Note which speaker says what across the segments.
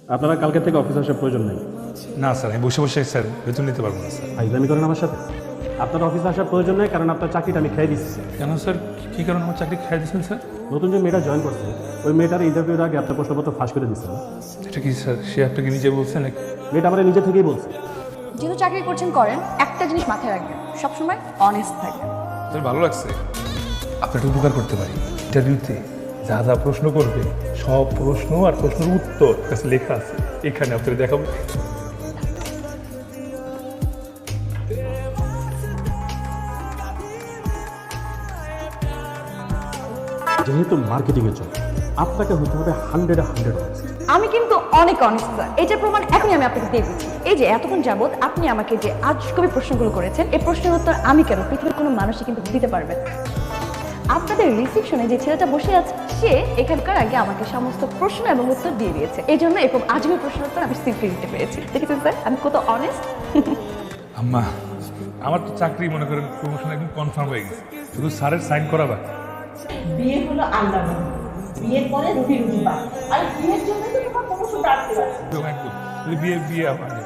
Speaker 1: আপনারা কালকে থেকে অফিস আসার প্রয়োজন নেই।
Speaker 2: না স্যার, আমি বসে বসে স্যার বেতন নিতে পারবো না স্যার।
Speaker 1: ফাইজলামি করেন আমার সাথে। আপনার অফিসে আসার প্রয়োজন নেই, কারণ আপনার চাকরিটা আমি খেয়ে দিচ্ছি।
Speaker 2: কেন স্যার, কী কারণে আমার চাকরি খেয়ে দিচ্ছেন স্যার?
Speaker 1: নতুন যে মেয়েটা জয়েন করছে, ওই মেয়েটার ইন্টারভিউর আগে আপনার প্রশ্নপত্র ফাঁস করে দিচ্ছেন।
Speaker 2: এটা কি স্যার সে আপনাকে নিজে বলছে নাকি?
Speaker 1: মেয়েটা আমার নিজে থেকেই বলছে।
Speaker 3: যেহেতু চাকরি করছেন করেন, একটা জিনিস মাথায় রাখবেন, সবসময় অনেস্ট থাকবেন।
Speaker 2: স্যার ভালো লাগছে, আপনার উপকার করতে পারি। ইন্টারভিউতে যা যা প্রশ্ন করবে সব প্রশ্ন আর প্রশ্নের উত্তর কাছে লেখা আছে, এখানে আপনাকে দেখাবো।
Speaker 1: যেহেতু মার্কেটিংয়ের জন্য আপনাকে হতে হবে 100
Speaker 3: আমি কিন্তু অনেক অনেস্ট স্যার, এটার প্রমাণ এখনই আমি আপনাকে দিয়ে দিচ্ছি। এই যে এতক্ষণ যাবত আপনি আমাকে যে আজকবি প্রশ্নগুলো করেছেন, এই প্রশ্নের উত্তর আমি কেন, পৃথিবীর কোনো মানুষই কিন্তু দিতে পারবে না। আপনাদের রিসেপশনে যে ছেলেটা বসে আছে, সে এখানকার আগে আমাকে সমস্ত প্রশ্ন এবং উত্তর দিয়ে দিয়েছে। এই জন্য এরকম আজকে প্রশ্নের উত্তর আমি সিম্পলি দিতে পেরেছি। দেখেছেন স্যার আমি কত অনেস্ট।
Speaker 2: আম্মা, আমার তো চাকরি মনে করেন প্রমোশন একদম কনফার্ম হয়ে গেছে, শুধু স্যারের সাইন করা বাকি।
Speaker 4: বিয়ে হলো আল্লাহ, বিয়ের পরে রুটি রুটি পায়, আর বিয়ের জন্য তো তোমার প্রমোশনটা আটকে যাচ্ছে।
Speaker 2: একদম বিয়ে বিয়ে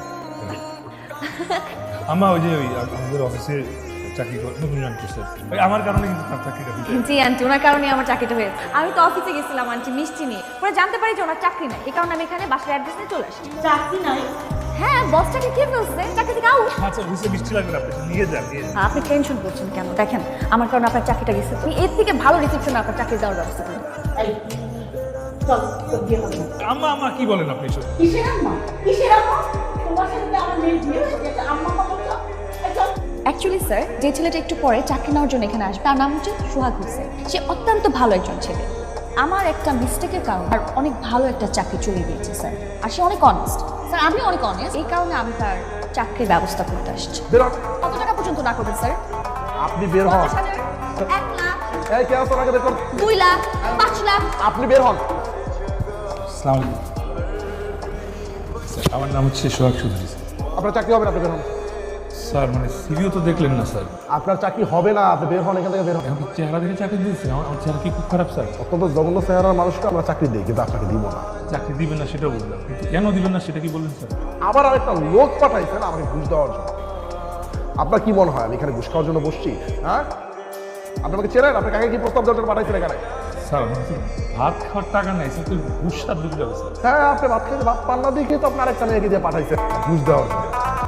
Speaker 2: আম্মা, ওই যে ওই আমাদের অফিসে চাকরি করে নতুন জয়েন করছে, ওই আমার কারণে কিন্তু তার চাকরিটা হয়েছে।
Speaker 3: জি আন্টি, ওনার কারণে আমার চাকরিটা হয়েছে। আমি তো অফিসে গেছিলাম আন্টি মিষ্টি নিয়ে, পরে জানতে পারি যে ওনার চাকরি নেই, এই কারণে আমি এখানে বাসার অ্যাড্রেস নিয়ে চলে আসি।
Speaker 4: চাকরি নাই?
Speaker 3: হ্যাঁ, বসটাকে কে ফেলছে, চাকরি থেকে আউট।
Speaker 2: আচ্ছা বুঝতে মিষ্টি লাগবে না, আপনি নিয়ে যান নিয়ে যান।
Speaker 3: আপনি টেনশন করছেন কেন? দেখেন আমার কারণে আপনার চাকরিটা গেছে, তুমি এর থেকে ভালো রিসেপশনে আপনার চাকরি দেওয়ার ব্যবস্থা করুন।
Speaker 4: এই চল, তোর বিয়ে হবে না।
Speaker 2: আম্মা আম্মা কি বলেন আপনি এসব?
Speaker 4: কিসের আম্মা? কিসের আম্মা? তোমার সাথে কি আমার মেয়ের বিয়ে হয়েছে? একটা আম্মা কথা বলছো? এই চল।
Speaker 3: অ্যাকচুয়ালি স্যার, যে ছেলেটা একটু পরে চাকরি নেওয়ার জন্য এখানে আসবে, তার নাম হচ্ছে সোহাগ হোসেন। সে অত্যন্ত ভালো একজন ছেলে। আমার একটা মিস্টেকের কারণে আর অনেক ভালো একটা চাকরি চলে গিয়েছে স্যার, আর সে অনেক অনেস্ট স্যার, আমি অনেক অনেস্ট, এই কারণে আমি তার চাকরির ব্যবস্থা করতে আসছি। কত টাকা পর্যন্ত না করবেন স্যার?
Speaker 5: আপনি বের হন।
Speaker 3: 50,000, 1 লাখ,
Speaker 5: এই কে আসো, আগে বের করুন।
Speaker 3: 2 লাখ, 5 লাখ।
Speaker 5: আপনি বের হন।
Speaker 2: আসসালামু আলাইকুম স্যার, আমার নাম হচ্ছে সোহাগ চৌধুরী।
Speaker 5: আপনার চাকরি হবে না, আপনি বের হন।
Speaker 2: স্যার মানে সিভিও তো দেখলেন না স্যার,
Speaker 5: আপনার চাকরি হবে না, আপনি বের হন, এখান থেকে বের হন।
Speaker 2: এখন চেহারা দেখে চাকরি দিয়েছে, আমার চেহারা কি খুব খারাপ স্যার?
Speaker 5: অত্যন্ত জঘন্য চেহারার মানুষকে আমরা চাকরি দিই, কিন্তু আপনাকে দিব না।
Speaker 2: চাকরি দিবেন না সেটাও বললাম, কিন্তু কেন দিবেন না সেটা কি বললেন স্যার?
Speaker 5: আবার আরেকটা লোক পাঠাইছেন আমাকে ঘুষ দেওয়ার জন্য। আপনার কি মনে হয় আমি এখানে ঘুষ খাওয়ার জন্য বসছি? হ্যাঁ, আপনি আমাকে চেনেন? আপনি কাকে কি প্রস্তাব দেওয়ার জন্য পাঠাইছেন এখানে?
Speaker 2: স্যার আমার তো ভাত খাওয়ার টাকা নেই স্যার, তুই ঘুষ সাত দিতে যাবে স্যার।
Speaker 5: হ্যাঁ, আপনি ভাত খেতে ভাত পান না দেখে তো আপনার আরেকটা মেয়েকে দিয়ে পাঠাইছেন ঘুষ দেওয়ার জন্য।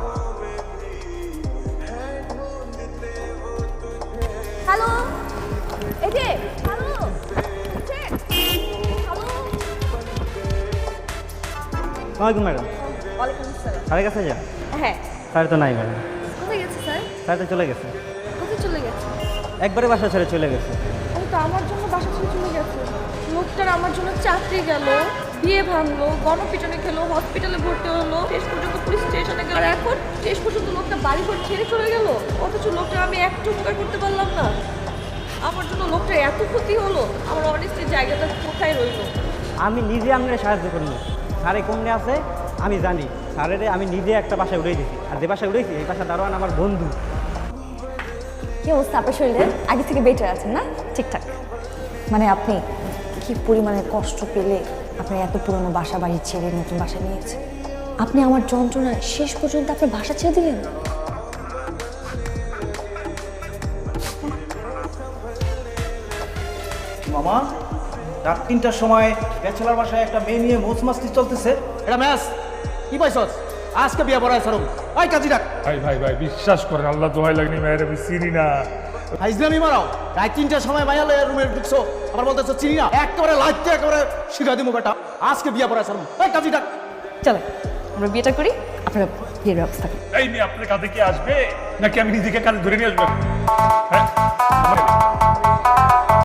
Speaker 3: হ্যালো, এই যে হ্যালো, হ্যালো।
Speaker 6: ওয়ালাইকুম ম্যাডাম।
Speaker 3: ওয়ালাইকুম আসসালাম।
Speaker 6: স্যারের কাছে যান।
Speaker 3: হ্যাঁ,
Speaker 6: স্যার তো নাই ম্যাডাম,
Speaker 3: কোথায় গেছে স্যার?
Speaker 6: স্যার তো চলে গেছে,
Speaker 3: কোথায় চলে গেছে?
Speaker 6: একবারে বাসা ছেড়ে চলে গেছে।
Speaker 3: ও তো আমার জন্য বাসা ছেড়ে চলে গেছে। লোকটার আমার জন্য চাকরি গেল, বিয়ে ভাঙলো, গণপিটনে খেলো, হসপিটালে ভর্তি হলো, শেষ পর্যন্ত পুলিশ স্টেশনে গেল, আর এখন শেষ পর্যন্ত লোকটা বাড়ি ঘর ছেড়ে চলে গেল। অথচ লোকটা আমি একটু উপকার করতে পারলাম না। আমার জন্য লোকটার এত ক্ষতি হলো, আমার অনেস্টের জায়গাটা কোথায় রইলো?
Speaker 6: আমি নিজে আপনার সাহায্য করিনি, স্যারে কোমনে আছে আমি জানি। স্যারের আমি নিজে একটা বাসায় উড়ে দিয়েছি, আর যে বাসায় উড়েছি এই বাসা দারোয়ান আমার বন্ধু।
Speaker 3: কি অবস্থা আপনার শরীরে? আগে থেকে বেটার আছেন না? ঠিকঠাক। মানে আপনি কি পরিমাণে কষ্ট পেলে আপনি এত পুরনো বাসা বাড়ি ছেড়ে নতুন বাসা নিয়েছেন? আপনি আমার যন্ত্রণায় শেষ পর্যন্ত আপনার বাসা ছেড়ে দিলেন।
Speaker 7: মামা, রাত 3টার সময় ব্যাচেলার বাসায় একটা মেয়ে নিয়ে মোচ মাস্তি চলতেছে। এটা ম্যাচ কি পাইছস? আজকে বিয়ে পড়ায় সরম। ওই কাজী ডাক।
Speaker 2: ভাই ভাই ভাই বিশ্বাস করেন, আল্লাহ দোহাই লাগনি মেয়ের আমি চিনি না।
Speaker 7: হাইজলামি মারাও। রাত 3টার সময় মাইয়া লয়ে রুমে ঢুকছো, আবার বলতেছো চিনি না। একেবারে লাইটতে একেবারে শিখা দিমু বেটা। আজকে বিয়ে পড়ায় সরম। ওই কাজী ডাক।
Speaker 3: চলো আমরা বিয়েটা করি, আপনারা বিয়ের ব্যবস্থা করি।
Speaker 2: এই মেয়ে আপনার কাছে কি আসবে নাকি আমি নিজেকে কাছে ধরে নিয়ে আসবো? হ্যাঁ